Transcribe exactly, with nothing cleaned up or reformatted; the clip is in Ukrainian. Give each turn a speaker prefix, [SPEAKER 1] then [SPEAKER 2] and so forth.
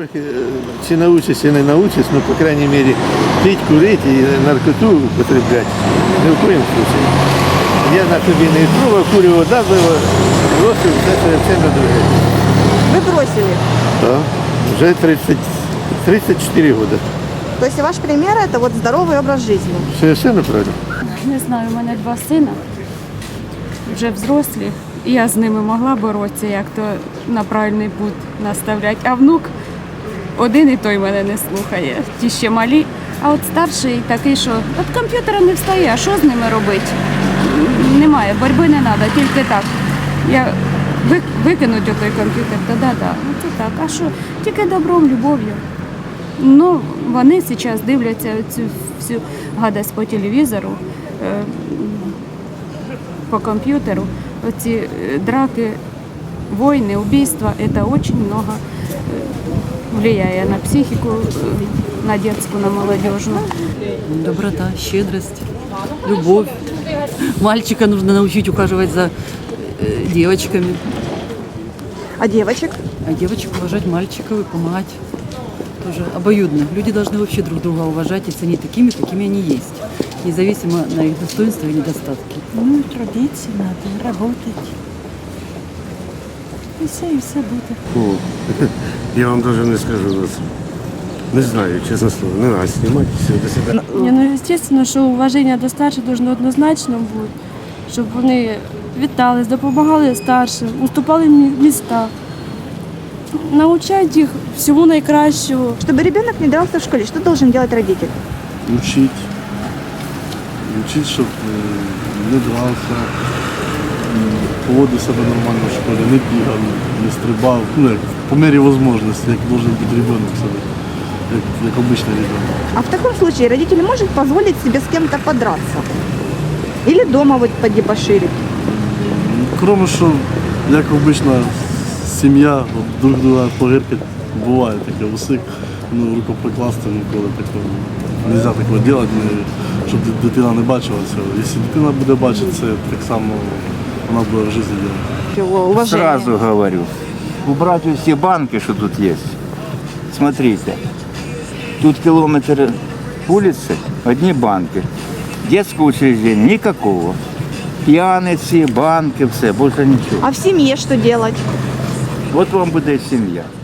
[SPEAKER 1] трохи, чи научишся, чи не научишся, ну, по крайней мере, пить, курить і наркоту употреблять ни в коем случае. Я на собі не пробував, курю вода була, бросив, це совершенно друге.
[SPEAKER 2] Вы бросили.
[SPEAKER 1] Так, вже тридцать, тридцать четыре года.
[SPEAKER 2] То есть ваш пример – это вот здоровый образ жизни.
[SPEAKER 1] Совершенно правильно.
[SPEAKER 3] Не знаю, у мене два сина, вже взрослі, і я з ними могла боротися, як то на правильний путь наставляти. А внук один і той мене не слухає, ті ще малі. А от старший такий, що від комп'ютера не встає, а що з ними робити? Немає, боротьби не треба, тільки так. Я ви- викинуть отой комп'ютер, то да-да, ну це так. А що? Тільки добром, любов'ю. Ну, вони зараз дивляться цю всю гадость по телевізору, е, по комп'ютеру. Оці е, драки, війни, убійства, це дуже много е, впливає на психіку, е, на дитячу, на молодіжну.
[SPEAKER 4] Доброта, щедрость, любовь. Мальчика нужно научить ухаживать за э, девочками,
[SPEAKER 2] А девочек?
[SPEAKER 4] а девочек уважать мальчиков и помогать. Тоже обоюдно. Люди должны вообще друг друга уважать и ценить такими, какими они есть, независимо на их достоинства и недостатки.
[SPEAKER 5] Ну, трудиться надо, работать. І все, і все буде.
[SPEAKER 6] О, я вам даже не скажу вас. Не знаю, честно слово. Не надо снимать, все, до свидания.
[SPEAKER 5] Ні, ну, звісно, що уваження до старших должно однозначно бути, щоб вони вітались, допомагали старшим, уступали мі- міста, навчати їх всьому найкращого.
[SPEAKER 2] Чтобы ребенок не дрался в школе, что должен делать родитель?
[SPEAKER 7] Учить. Учить, щоб е, не дрался, м, поводив себе нормально в школі, не бігав, не стрибав. Ну, як, по мірі можливості, як має бути ребенок себе, як, як обичний ребенок.
[SPEAKER 2] А в таком случае родитель может позволить себе с кем-то подраться? Или дома вот подебоширить?
[SPEAKER 7] Кроме що, як обична сім'я, от, друг друга погиркать, буває таке усик, ну, рукоприкласти ніколи такого. Не можна такого робити, щоб дитина не бачила цього. Якщо дитина буде бачити це, так само вона буде в житті робити.
[SPEAKER 2] Его уважение.
[SPEAKER 8] Сразу говорю, убрать все банки, что тут есть. Смотрите, тут километр улицы, одни банки. Детского учреждения никакого. Пьяницы, банки, все, больше ничего.
[SPEAKER 2] А в семье что делать?
[SPEAKER 8] Вот вам будет семья.